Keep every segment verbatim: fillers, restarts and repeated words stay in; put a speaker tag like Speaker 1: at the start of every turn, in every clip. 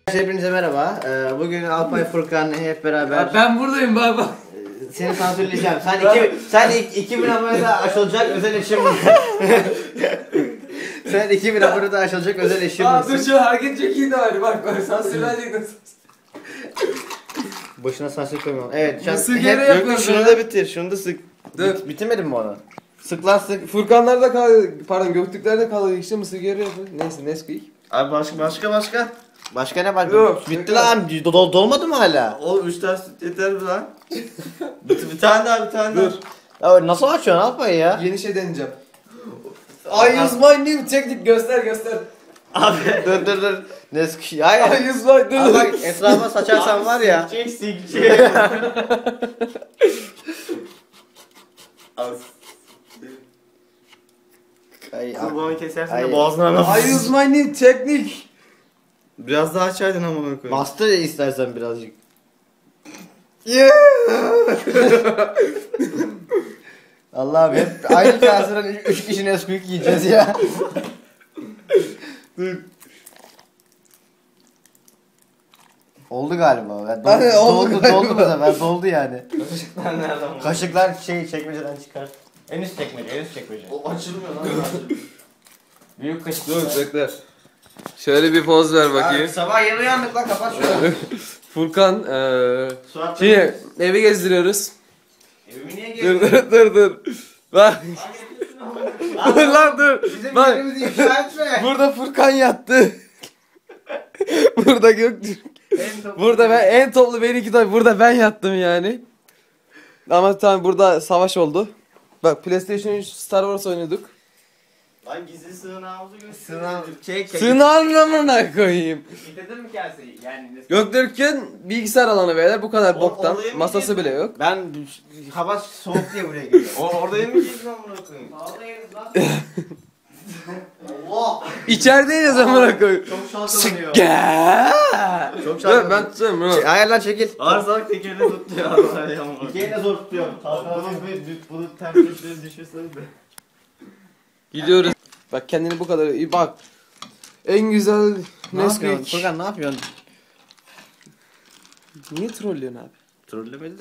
Speaker 1: Hepinize merhaba. Ee, bugün Alpay Furkan hep beraber.
Speaker 2: Ya ben buradayım baba.
Speaker 1: Seni sansürleyeceğim. Sen iki, sen iki bin abonede aşılacak özel eşim misin? Sen iki bin abonede aşılacak özel eşim
Speaker 2: Aa dur
Speaker 1: misin?
Speaker 2: şu hareket çok iyi de var. Bak bak sansürlenecek.
Speaker 1: Boşuna sansür koymam. Evet. Şu an
Speaker 2: Mısır
Speaker 1: hep
Speaker 2: geri
Speaker 1: yok,
Speaker 2: yapıyorsun
Speaker 1: şunu
Speaker 2: ya.
Speaker 1: da bitir. Şunu da sık.
Speaker 2: Dur.
Speaker 1: Bit, bitirmedin mi onu? Sık lan sık.
Speaker 2: Furkanlarda kaldı. Pardon Göktürklerde kaldı. İşte mısır geri yapıyor. Neyse Nesquik.
Speaker 3: Abi başka başka başka.
Speaker 1: Başka ne var?
Speaker 2: Yok,
Speaker 1: Bitti
Speaker 2: yok.
Speaker 1: lan. Dol dolmadı mı hala?
Speaker 3: Oğlum üç tane süt yeter mi lan? bir, bir tane daha bir tane
Speaker 2: Dur.
Speaker 3: daha.
Speaker 1: Ya nasıl açıyorsun Alpay ya?
Speaker 2: Yeni şey deneyeceğim. I use my new technique. Göster göster.
Speaker 3: Abi.
Speaker 1: Dur dur dur. Nesk. Hayır.
Speaker 2: I use my
Speaker 1: Ama
Speaker 2: new.
Speaker 1: bak etrafa saçarsan var ya.
Speaker 3: Sikecek sikecek. Az.
Speaker 1: Ay,
Speaker 3: Kulağını kesersin
Speaker 1: Ay.
Speaker 3: de boğazına
Speaker 2: I
Speaker 3: nasıl?
Speaker 2: use my new technique.
Speaker 3: Biraz daha açaydın amına koyayım.
Speaker 1: Bastır istersen birazcık.
Speaker 2: Yeah.
Speaker 1: Allah'ım hep aynı kaseden üç, üç kişi Nesquik yiyeceğiz ya. Oldu galiba. Ya, doldu,
Speaker 2: Hani oldu
Speaker 1: doldu,
Speaker 2: galiba.
Speaker 1: doldu bu sefer. Doldu yani.
Speaker 3: Kaşıklar nereden bu?
Speaker 1: Kaşıklar şey çekmeceden çıkar. En üst çekmece, en üst çekmece.
Speaker 3: O açılmıyor lan.
Speaker 1: Büyük kaşık.
Speaker 2: Dur bekle. Şöyle bir poz ver
Speaker 1: Abi,
Speaker 2: bakayım.
Speaker 1: sabah yeni uyandık lan kapat şunu.
Speaker 2: Furkan eee
Speaker 3: Suat
Speaker 2: Şimdi evi gezdiriyoruz.
Speaker 1: Evimi niye
Speaker 2: Dur
Speaker 1: geldin?
Speaker 2: dur dur dur. Bak. Dur lan dur.
Speaker 1: Bizim
Speaker 2: Bak.
Speaker 1: yerimizi ifşa etme.
Speaker 2: Burada Furkan yattı. Burada Göktürk.
Speaker 1: En top-
Speaker 2: Burada ben en toplu benimki tabii burada ben yattım yani. Ama tamam burada savaş oldu. Bak PlayStation üç Star Wars oynuyorduk.
Speaker 3: Lan gizli sığınağımızı göster.
Speaker 1: Sınav çek çek.
Speaker 2: Sığın anlamına koyayım.
Speaker 1: Getirdin mi kaseyi? Yani
Speaker 2: Göktürk'ün bilgisayar alanı beyler bu kadar
Speaker 3: O-
Speaker 2: boktan.
Speaker 3: oraya mı
Speaker 2: Masası
Speaker 3: girdin?
Speaker 2: bile yok.
Speaker 1: ben hava soğuk diye buraya geliyorum.
Speaker 3: O orada yemeyeceksin amına koyayım.
Speaker 1: Allah!
Speaker 2: İçerideyiz amına koyayım.
Speaker 1: Çok şalkalanıyor.
Speaker 2: Gel.
Speaker 1: Çok
Speaker 2: Dur
Speaker 1: şalkalanıyor.
Speaker 2: ben tutuyorum bunu.
Speaker 1: Şey, hayır lan çekil.
Speaker 3: Arsak tekerini tuttu ya. Vallahi amına koyayım.
Speaker 1: İkiye de zor tutuyorum.
Speaker 3: Bunun bir bunun temperature'ı düşürseniz de.
Speaker 2: Gidiyoruz. Bak kendini bu kadar iyi bak. En güzel
Speaker 1: Ne yapıyorsun?
Speaker 2: Nesquik.
Speaker 1: Furkan ne yapıyorsun?
Speaker 2: Niye trollüyorsun abi?
Speaker 3: Trollemedi de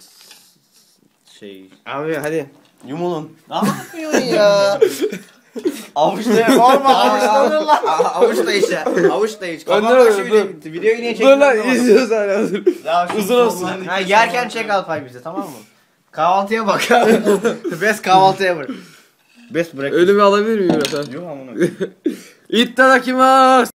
Speaker 3: şey.
Speaker 1: Abi hadi.
Speaker 3: Yumulun.
Speaker 1: Ne yapıyorsun ya?
Speaker 3: Avuçta olma avuçlanır lan.
Speaker 1: Avuç da iç ya. Avuç da iç.
Speaker 2: Ben
Speaker 1: Kapat
Speaker 2: de
Speaker 1: bak şu
Speaker 2: öyle,
Speaker 1: videoyu. Videoyu niye
Speaker 2: Dur
Speaker 1: çekiyorsun?
Speaker 2: lan
Speaker 1: anlamadım.
Speaker 2: izliyoruz hala dur.
Speaker 3: Ya şu
Speaker 2: Uzun olsun.
Speaker 3: sollarındaki
Speaker 1: Ha yerken çek Alpay bize tamam mı? Kahvaltıya bak. Best kahvaltıya bak. Best breakfast.
Speaker 2: Ölümü alabilir miyim efendim?
Speaker 3: Yok amına koyayım.
Speaker 2: İttadakimasu.